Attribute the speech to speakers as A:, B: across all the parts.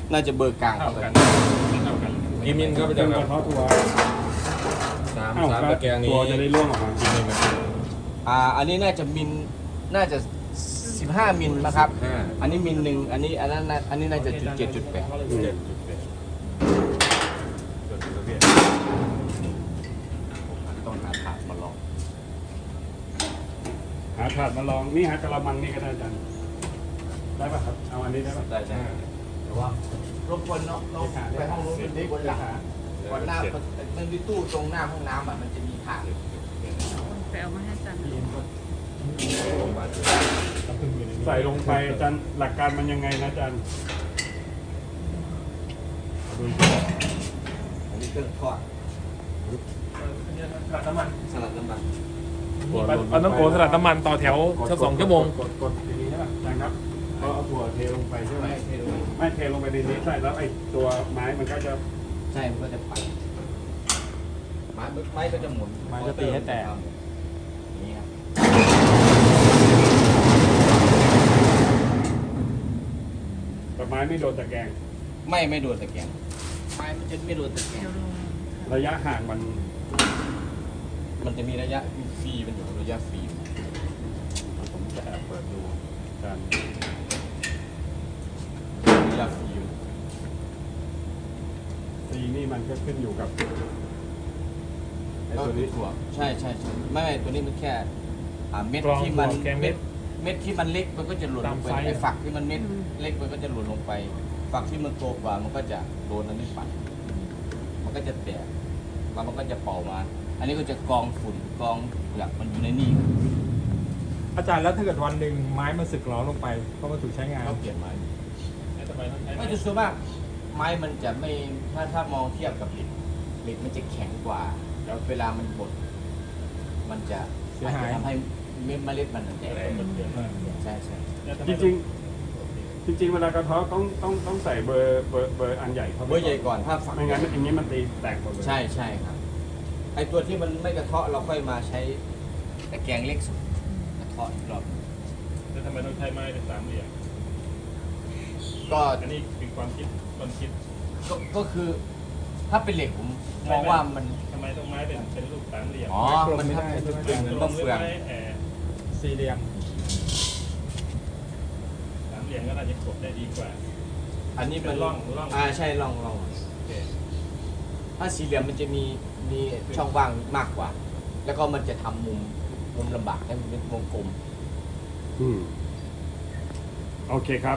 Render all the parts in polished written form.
A: น่าจะเบอร์กลาง
B: เท่ากันเท่ากัน
C: กี่มิลครับอาจารย์ครับ
D: กระเทาะตัว
C: สาม
D: อ้าว
C: สามตะแกรงนี้
D: ตัวจะได้ร่วงออกมา
C: กี่มิลครับ
A: อันนี้น่าจะมิลน่าจะ15 มิลนะครับอันนี้มิลหนึ่งอันนี้อันนี้น่าจะจุด7.8
C: 7.8ส่วนประเภท
A: ต้องหาถาดมาลอง
D: หาถาดมาลองนี่หากระมังนี่ก็ได้อาจารย์ได้ป่ะครับเอาอันนี้ได้ป่ะ
A: ได้ใช่แต่ว่ารบกวนเนาะเราไปห้องนู้นเป็นบนหลังวันหน้ามันมีตู้ตรงหน้าห้องน้ำมันจะมีถาด
E: ไปเอามาให้อาจารย์
D: ใส่ลงไปอาจารย์หลักการมันยังไงนะอาจารย์ดู
A: อันนี้เครื่องทอด
B: สลัดน้ำมัน
A: สลัดน้ำมัน
B: มันต้องโกสลัดน้ำมันต่อแถวสัก2 ชั่วโมง
D: กดอย่างนี้ใช่ป่ะอาจารย์ครับเอาถั่วเทลงไปใช่ไหม
A: ไม่เทลง
D: ไม่เทลงไปในนี้ใช่แล้วไอ้ตัวไม้มันก็จะ
A: ใช่มันก็จะปั่นไม้ก็จะหมุน
B: ไม้ก็ตีให้แตก
A: อย่างนี้ครับ
D: แต่ไม้ไม่โดนตะแกรง
A: ไม่โดนตะแกรงไม้มันจะไม่โดนตะแกรง
E: เดี๋ยวลง
D: ระยะห่างมัน
A: มันจะมีระยะฟรีมันอยู่ระยะฟรี
D: ผมจะแอบเปิดดูอาจารย์
A: ระยะฟรี
D: ซีนี่มันก็ขึ้นอยู่กับไอ้
A: ก็
D: ตัว
A: คือ
D: นี้
A: ถั่วใช่ไม่ตัวนี้มันแค่เม็ด
B: กรอง
A: ที่มัน
B: ถั่วแกงเม็ด
A: เม็ดที่มันเล็กมันก็จะหล่นลงไป
B: ตามไซส์
A: ไอ้ฝักที่มันเม็ดเล็กมันก็จะหล่นลงไป ฝักที่มันโตกว่ามันก็จะโดนอันนี้ปัดมันก็จะแตกแล้วมันก็จะเป่ามา อันนี้ก็จะกรองฝุ่นกรองเปลือกมันอยู่ในนี่
F: อาจารย์แล้วถ้าเกิดวันหนึ่งไม้มันสึกหรอลงไปเพราะมันถูกใช้งาน
A: ก็เปลี่ยนไม้
B: ทำไมต้องใช้
A: ไม่จะส่วนมากไม้มันจะไม่ถ้ามองเทียบกับเหล็กมันจะแข็งกว่า แล้วเวลามันบดมันจะ
F: เสียหาย
A: ทำให้เมล็ดมันแตก ใช่
D: จริงๆเวลากระเทาะต้องใส่เบอร์อันใหญ่เข้าไป
A: เบอร์ใหญ่ก่อนถ้าฝัก
D: ไม่งั้นอย่างนี้มันตีแตกหมดเลย
A: ใช่ครับไอตัวที่มันไม่กระเทาะเราค่อยมาใช้ตะแกรงเล็กสุดกระเทาะอีกรอบ
B: แล้วทำไมต้องใช้ไม้เป็น3 เหลี่ยม
A: ก็
B: อันนี้เป็นความคิดคนคิด
A: ก็คือถ้าเป็นเหล็กผมมองว่ามัน
B: ทำไมต้องไม้เป็นรูป3 เหลี่ยม
A: อ๋อมันถ้าเป็นเหมือนมะเฟือง
F: สี่เหลี่ยม
B: 3 เหลี่ยมก็น่าจะกดได้ดีกว่า
A: อันนี้มัน
B: เป็นร่อง
A: ใช่ร่อง
B: โอเค
A: ถ้าสี่เหลี่ยมมันจะมีช่องว่างมากกว่า แล้วก็มันจะทำมุมลำบากให้มันเป็นวงกลม
D: อืมโอเคครับ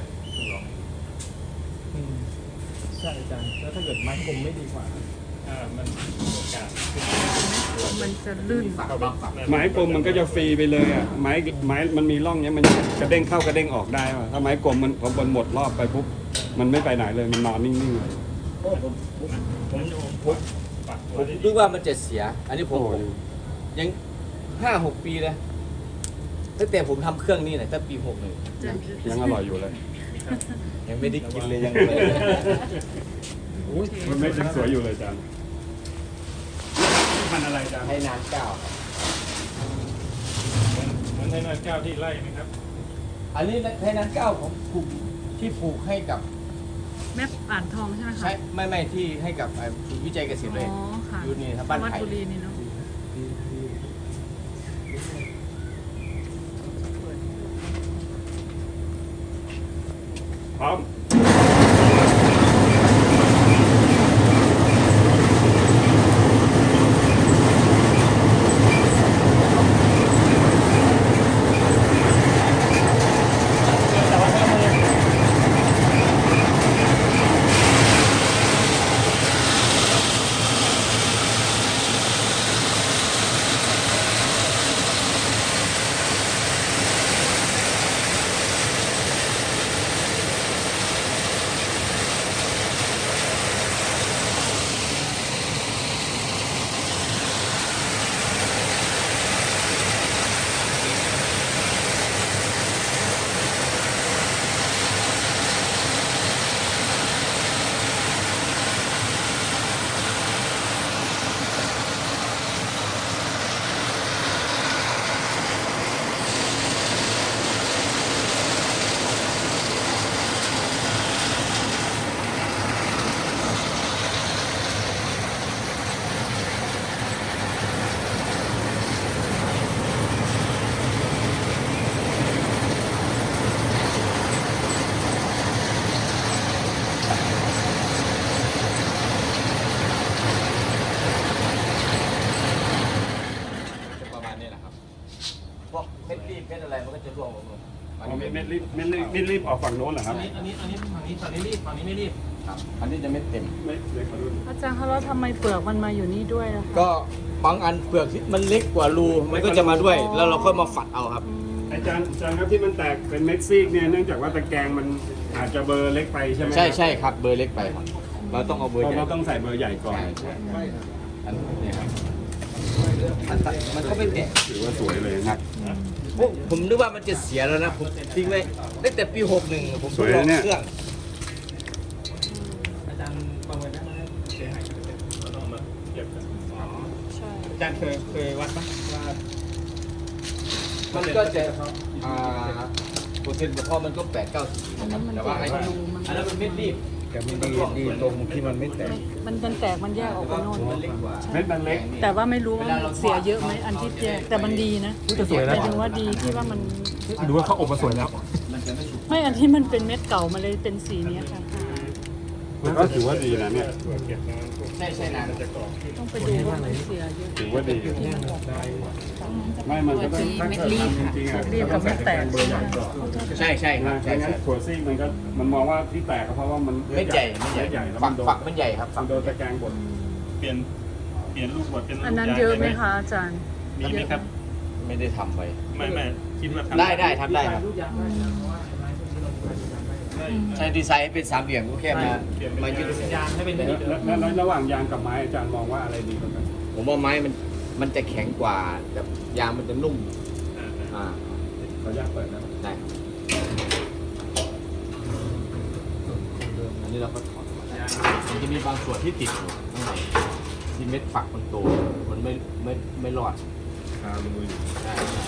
F: ใช่อาจารย์แล้วถ้าเกิดไม้กลมไม่ดีกว่า
B: มันโอกาส
E: มันจะลื่น
A: ฝัก
B: เข้า
A: บางฝัก
D: ไม้กลมมันก็จะฟรีไปเลยอ่ะไม้มันมีร่องเนี้ยมันกระเด้งเข้ากระเด้งออกได้ว่ะถ้าไม้กลมมันพอบนหมดรอบไปปุ๊บมันไม่ไปไหนเลยมันนอนนิ่งๆเลย
A: โอ้ผม
B: ผมจะปัก
A: ผ
B: ตัว
A: ม
B: ได้ดี
A: นึกว่ามันจะเสีย อันนี้ผม
D: โอ้ย
A: ยัง5-6 ปีเลยตั้งแต่ผมทำเครื่องนี้เนี่ยตั้งปี61
D: ยังอร่อยอยู่เลย
A: ยังไม่ได้กินเลยยังเลย
D: มันไม่ยังสวยอยู่เลยอาจารย์พันธุ์อะไรอาจารย์
A: ให้นาน9ครับ
B: มันให้น้อย9ที่ไล่ไหมครับ
A: อันนี้ให้นาน9ผมปลูกที่ปลูกให้กับ
E: แม่อ่านทองใช่ไหมคะ
A: ใช้ไม่ที่ให้กับศูนย์วิจัยเกษตรเลย
E: อ๋อค่ะ
A: อยู่นี่ครับบ้าน
E: วัด
A: ไผ่
E: บุรีนี่เนาะ
D: พร้อมเม็ดรีบออกฝั่งโน้นเหรอครับ
C: อันนี้ฝั่งนี้ฝั่งนี้รีบฝั่งนี้ไม่รีบ
A: ครับอันนี้จะไม่เต็ม
D: เม็ดเล็กกว่ารุ่น
E: อาจารย์คะแล้วทำไมเปลือกมันมาอยู่นี่ด้วยล่ะคะ
A: ก็บางอันเปลือกที่มันเล็กกว่ารูมันก็จะมาด้วย แล้วเราค่อยมาฝัดเอาครับ
D: อาจารย์ครับที่มันแตกเป็นเม็ดซีกเนี่ยเนื่องจากว่าตะแกรงมันอาจจะเบอร์เล็กไปใช่ไหม
A: ใช่ครับเบอร์เล็กไปครับเราต้องเอาเบอร์ใหญ่
D: เราต้องใส่เบอร์ใหญ่ก่อน
A: ใช่อันนี้ครับมันก็ไม่แตก
D: ถือว่าสวยเลย
A: ครับผมนึกว่ามันจะเสียแล้วนะผมทิ้งไว้ตั้งแต่ปี61ผมทดลองเครื่อง
C: อาจารย์ประเมินได้ไหมเสียหายเราต้องมาเทียบกัน
E: ใช่
F: อาจารย์เคยวัดปะว่า
A: มันก็จะเปอร์เซ็นต์เพราะมันก็8-9
E: อันนั้นมัน
A: แต่
E: แต
A: ว่าก ไอ้
E: รูมัน
A: อันนั้นมันเม็ดรีบ
G: แต่มันดีตรงที่มันไม่แตก
E: มันแตกมันแยกออกไปโน่น
A: มันเล็กกว่า
D: เม็ดมันเล็ก
E: แต่ว่าไม่รู้ว่ามันเสียเยอะไหมอันที่แยกแต่มันดีนะ
F: จะสวย
E: ห
F: นะ
E: มายถึงว่าดีที่ว่ามัน
F: ดูว่าเขาอบมาสวยแล้ว
A: มันจะไม่สุก
E: ไม่อันที่มันเป็นเม็ดเก่ามาเลยเป็นสีนี้ค่ะ
D: ก็ถือว่าดีนะเนี่ย
A: ใช่นะ
E: ต้องไปดูว่ามันเสียเยอะ
D: ถือว่าดี
E: ที่มันออกไป
D: ไม่มันก็ต้องถ้าเกิดจริงๆอ่ะ
E: เรียบกับเม็ดแตก
D: เบอร์ใหญ่ก่อน
A: ใช่ครับ
D: ใช่งั้นถั่วซีกมันมองว่าที่แตกก็เพราะว่ามัน
A: เม็ดใหญ่
D: แล้ว
A: ฝั
D: มัน
A: ก
D: โดน
A: ฝักมันใหญ่ครับ
D: มันโดนตะแกรงบด
C: เปลี่ยนรูปบทเป็นรูป
E: อันนั้นเยอะไหมคะอาจารย์
C: มีไหมครับ
A: ไม่ได้ทำไป
C: ไม่คิดว่าทำ
A: ได้ทำได้ครับใช้ดีไซน์ให้เป็นสามเหลี่ยมก็แค่มายืดเส้น
C: ยางให้เป็น
D: แล้วระหว่างยางกับไม้อาจารย์มองว่าอะไรดีกว่ากัน
A: ผมว่าไม้มันจะแข็งกว่าแต่ยางมันจะนุ่มอ่า
D: ขออนุญาตเปิดนะ
A: ได้อันนี้เราก็ถอดออกมามันจะมีบางส่วนที่ติดอยู่ข้างในที่เม็ดฝักมันโตมันไม่รอด
C: คารูอยู่
A: ใช่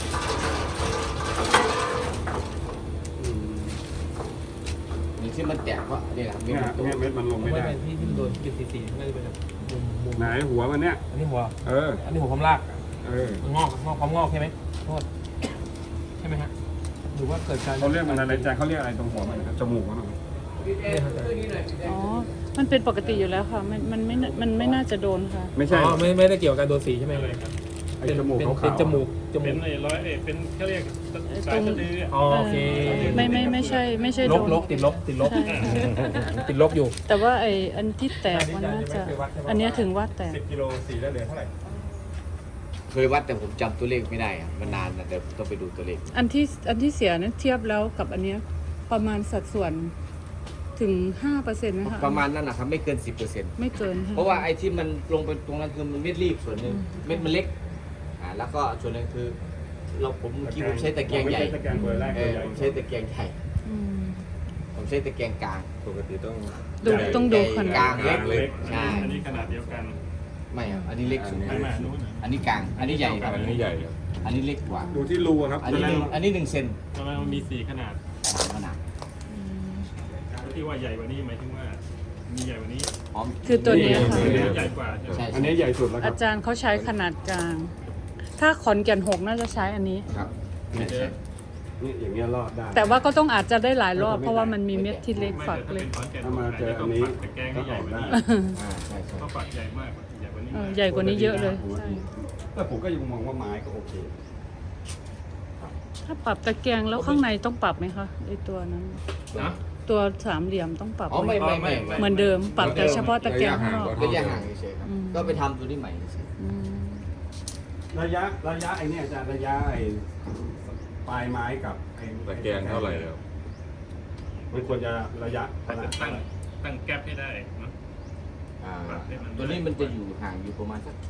A: อย่างที่มันแตกเพราะนี่แหละ
D: เนี่ยเม็ดมันลงไม่
F: ไม่
D: ได้
F: เป็นที่โดนเป็นสีไม่ได้เป็นมุม
D: ไหนหัวมันเนี่ย
F: อันนี้หัว
D: เออ
F: อันนี้หัวความลาก
D: เออ
F: งอกความงอกใช่ไหมโทษใช่ไหมฮะหรือว่าเกิดการ
D: เขาเรียกมันอะไรอาจารย์เขาเรียกอะไรตรงหัวมันนะครับจมูกมันเหรอ
E: อ๋อ มันเป็นปกติอยู่แล้วค่ะ มันไม่น่าจะโดนค่ะ
D: ไม่ใช่
F: อ๋อไม่ได้เกี่ยวกับการโดนสีใช่ไหมครับ
D: ไอ้จมูกขาวๆ
F: เป็นจมูก
C: เป็นไอ้ร้อยเป็นเขาเรียกสายสะดือ
F: อ๋อโอเค
E: ไม่ใช่
F: ล
E: โด
F: บ
E: น
F: ลบติดลบ
E: ใช่
F: ติดลบอยู่
E: แต่ว่าไออันที่แตกมันน่าจะ อันเนี้ยถึงว่าแตก
C: 10 กิโลสีแล้วเหลือเท่าไหร่
A: เคยวัดแต่ผมจำตัวเลขไม่ได้อะมันนานนะแต่ต้องไปดูตัวเลข
E: อันที่เสียนั้นเทียบแล้วกับอันเนี้ยประมาณสัดส่วนถึง 5%นะคะ
A: ประมาณนั้นนะครับไม่เกิน 10%
E: ไม่เกินค่
A: เพราะว่าไอ้ที่มันลงไปตรงนั้นคือมันเม็ดรีบส่วนหนึ่งเม็ดมันเล็กแล้วก็ส่วนหนึ่งคือผมเมื่อกี้ผมใช้ตะแกรงใหญ่
D: ไม่ใช่ตะแกรงเบอร์แรก
A: เอ
D: เบอ
A: อ
D: ร์ใหญ่
A: ผมใช้ตะแกรงใหญ่
E: อืม
A: ผมใช้ตะแกรงกลาง
C: ปกติต้อง
E: ต้องดูข
A: ก
E: นา
A: ลา
E: ด
A: งเล็กเลยใช่
C: อันนี้ขนาดเดียวกัน
A: ไม่ครับอันนี้เล็กสุด
C: ไม่มานู้น
A: อันนี้กลางอันนี้ใหญ่ครับ
C: อันนี้ใหญ่ครับ
A: อันนี้เล็กกว่า
D: ดูที่รูอะครับ
A: อันนี้1เซน
C: ทำไมมันมี4ขนาด
A: ขนาด
C: ที่ว่าใหญ่กว่านี้หมายถึงว่ามีใหญ่กว่านี้
A: อ๋อ
E: คือตัวเนี้ยค่ะ
C: ใหญ่กว่าใช่ไหม
A: ใช่
D: อันนี้ใหญ่สุดแล้วครั
E: อา
D: บ
E: จารย์เขาใช้ขนาดกลาง ถ้าขอนแก่น6น่าจะใช้อันนี้
A: ครับ
D: นี่อย่างเงี้ยรอดได้
E: แต่ว่าก็ต้องอาจจะได้หลายรอบ เพราะว่ามันมีเม็ดที่เล็กฝักเล็ก
D: ถ้ามาเจออันนี้
C: แต่แกงก็ใหญ่กว่านี้
A: ใช่
C: เพราะฝักใหญ่มากใหญ่กว่านี้
E: ใหญ่กว่านี้เยอะเลยใช่
D: แต่ผมก็ยังมองว่าไม้ก็โอเค
E: ถ้าปรับตะแกรงแล้วข้างในต้องปรับไหมคะไอตัวนั้น
C: นะ
E: ตัวสามเหลี่ยมต้องปรับ
A: อ๋อ
E: ไหม
A: ไม่
E: เหมือนเดิม ปรับแต่เฉพาะตะแกรงข้างนอก
A: ระยะห่างเฉยๆครับ
E: อืม
A: ก็ไปทำตัวนี้ใหม่เฉย
E: อืม
D: ระยะไอ้เนี่ยอาจารย์ระยะไอ้ปลายไม้กับไอ้
C: ตะแกรงเท่าไหร่แล้ว
D: มันควรจะระยะขนาด
C: ตั้งแก๊ปให้ได้นะ
A: ตัวนี้มันจะอยู่ห่างอยู่ประมาณสัก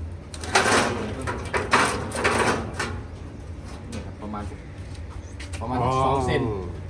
A: นี่ครับประมาณ2 เซน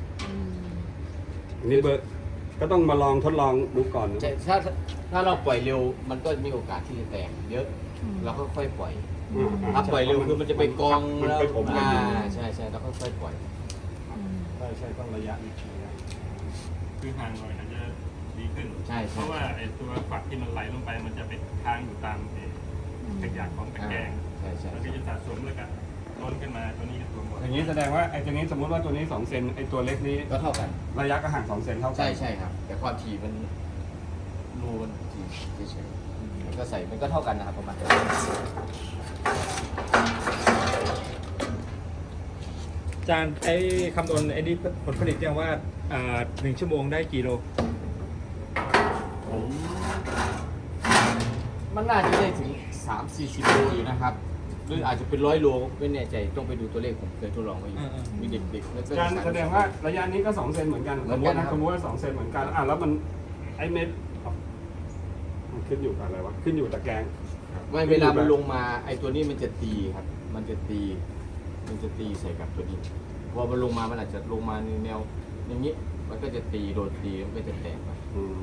D: อันนี้เบอร์ก็ต้องมาลองทดลองดูก่อนนะ
A: ใช่ถ้าเราปล่อยเร็วมันก็มีโอกาสที่จะแตกเยอะเราก็ค่อยปล่อยถ้าปล่อยเร็วคือมันจะไปกอง
D: มัน
A: แล้ว
D: ไปผมกันอยู่
A: ใช่เราก็ค่อยปล่อย
D: ใช่ต้องระยะนี้
C: คือห่างหน่อยอาจจะดีขึ้น
A: ใช่
C: เพราะว่าไอ้ตัวฝักที่มันไหลลงไปมันจะไปค้างอยู่ตามขยะของตะแกรง
A: ใช่
C: แล้วก็จะสะสมแล้วก็ล้นขึ้นมาตัวนี้จะรวมหมด
D: อย่างนี้แสดงว่าไอ้ตัวนี้สมมติว่าตัวนี้2 เซนไอ้ตัวเล็กนี้
A: ก็เท่ากัน
D: ระยะก็ห่าง2 เซนเท่ากั
A: ใช่ครับ แต่ความถี่มันรูมันถี่เฉยๆมันก็ใส่มันก็เท่ากันนะครับประมาณ
F: อาจารย์ไอ้คำนวณไอ้นี่ผลผลิตเนี่ยว่า1 ชั่วโมงได้กี่โล
A: มันน่าจะได้ถึง 3-40 โลอยู่นะครับหรืออาจจะเป็น100 โลไม่แน่ใจต้องไปดูตัวเลขผมเคยทดลองไว้อยู่มีเด็กๆแล้วก็
D: การแสดงว่าระยะนี้ก็2 เซนเหมือนกันสมมตินะสมมติว่า2 เซนเหมือนกันแล้วมันไอ้เม็ดมันขึ้นอยู่กับอะไรวะขึ้นอยู่ตะแกรง
A: ไม่เวลามันลงมาไอ้ตัวนี้มันจะตีครับมันจะตีใส่กับตัวนี้พอมันลงมามันอาจจะลงมาในแนวอย่างนี้มันก็จะตีโดนตีมันก็จะแตกไป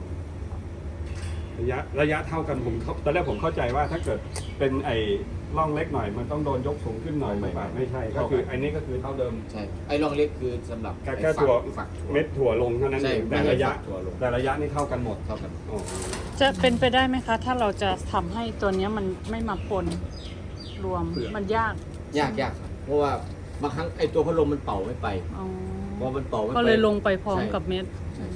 D: ระยะเท่ากันตอนแรกผมเข้าใจว่าถ้าเกิดเป็นไอ้ร่องเล็กหน่อยมันต้องโดนยกสูงขึ้นหน่อยไม่ใช่ก็คือไอ้นี้ก็คือเท่าเดิม
A: ใช่ไอ้ร่องเล็กคือสำหรับ
D: แค่ถั่ว
A: ฝัก
D: เม็ดถั่วลงเท่านั้น
A: ใช่
D: เอง
A: ไม่
D: แต่
A: ให้
D: ระยะ
A: ฝักถั่วลง
D: แต่ระยะนี่เท่ากันหมด
A: เท่ากัน
D: อ๋อ
E: จะเป็นไปได้ไหมคะ ถ้าเราจะทำให้ตัวเนี้ยมันไม่มาปนรวมมันยาก
A: ยากครับเพราะว่าบางครั้งไอ้ตัวพัดลมมันเป่าไม่ไป
E: อ๋อ
A: พอมันเป่าไม่ไป
E: ก็เลยลงไปพร้อมกับเม็ด
A: ใช่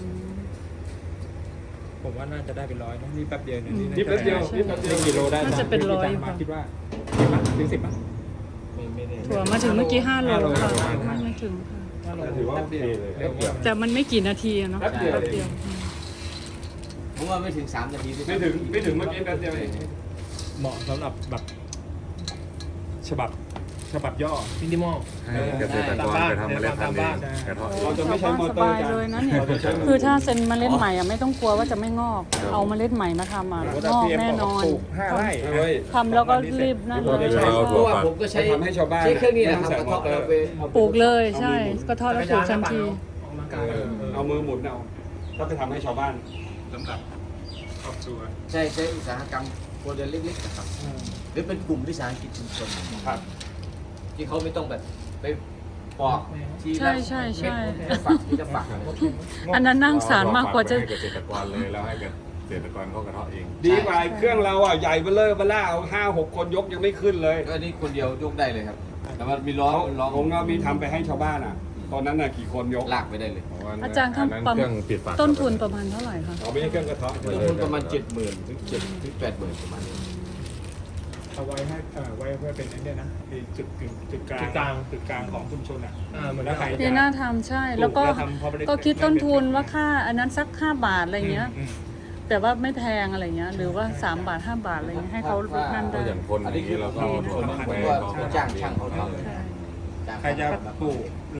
F: ผมว่าน่าจะได้เป็น100นะนี่แป๊บเดียวเนี่ย
D: นี่แป๊บเดียวนี่แป๊บเดียว
F: กี่โลได้
E: น่าจะเป็น100
F: อาจารย์มาคิดว่า10มั้ยถึง10มั้ย
A: ไม่ได้
E: ถั่วมาถึงเมื่อกี้5 โล
F: 5 โล
E: ค่ะ
F: ประมาณ
E: ไม่ถึงค่ะ
D: แต่ถือว่าโอเคเลย
E: แต่มันไม่กี่นาทีอะเนาะ
D: แป๊บเดียว
E: เดียว
A: ผมว่าไม่ถึง3 นาทีด้วย
D: ไม่ถึงเมื่อกี้แป๊บเดียวเอง
F: เหมาะสำหรับแบบฉบับย่อ
B: มินิมอล
H: ให้เกษตรกรไปทำเมล็ดพันธุ์เองกระเทาะเอง
D: เราจะไม่ใช้มอ
E: ส
D: เตอร์
E: บาย
D: กัน
E: เลยนะเนี่ย
D: เราจะใช้มือ
E: คือถ้าเซ็นเมล็ดใหม่อะไม่ต้องกลัวว่าจะไม่งอก เอาเมล็ดใหม่มาทำอ่ะงอกแน่นอน
F: ปลูก5 ไร่
D: เฮ้ย
E: ทำแล้วก็รีบนั่นเลย
A: เพราะว่าผมก็ใช้
D: ทำให้ชาวบ้าน
A: ใช้เครื่องนี้แหละครับ
D: ไม่
A: ก
D: ต้
A: ระ
D: องใส่
A: เทาะ
D: มอเตอร์
A: เราไปเอา
E: ปลูกเลยใช่ ก็ทอดแล้วปลูกทันที
D: เอามือหมุนเอาถ้าไปทำให้ชาวบ้านสำหรับครอบครัว
A: ใช่อุตสาหกรรมโมเดลเล็กๆนะครับหรือเป็นกลุ่มวิสาหกิจชุมชน
D: ครับ
A: ที่เขาไม่ต้องแบบไปปอกที
E: ใช่
A: ละ
E: ใช่ใช่
A: เม็ดฝักที่จะฝัก
E: อันนั้นนั่งสารมากกว่าจะ
H: ให้เกษตรกรเลยแล้วให้เกษตรกรเขากระเทาะเอง
D: ดีกว่าเครื่องเราอ่ะใหญ่เบ้อเร่อเบ้อล่าเอา5-6 คนยกยังไม่ขึ้นเลย
A: ก็นี่คนเดียวยกได้เลยครับ แต่มันมีล้อ
D: ผมก็มีทำไปให้ชาวบ้านอ่ะ ตอนนั้นน่ะกี่คนยก
A: ลากไปได้เลย
E: อาจารย์ครับ
H: อันนั้นเครื่องปิดฝา
E: ต้นทุนประมาณเท่าไหร่คะ
D: เอาไม่ใช่เครื่องกระเทาะ
A: ต้นทุนประมาณ 70,000 ถึง80,000ประมาณนี้
F: เอาไว้ให้ไว้เป็นไอ้เนี่ยนะไอ้จุดกลางของชุมชนอ่ะเหมือนแล้วใคร
E: ที่น่าทำใช่ แล้วก็
F: ทำพอไปได้
E: ก็คิดต้นทุนว่าค่าอันนั้นสัก5 บาทอะไรเงี้ย แต่ว่าไม่แพงอะไรเงี้ย หรือว่า3 บาท 5 บาทอะไรเงี้ยให้เขานั่น
H: ก็
E: ได้
H: อย่างคนอย่างนี้เราก็เอาถั่วมาแขวน
A: จ้างช่างเขาทำ
F: ใครจะปลูก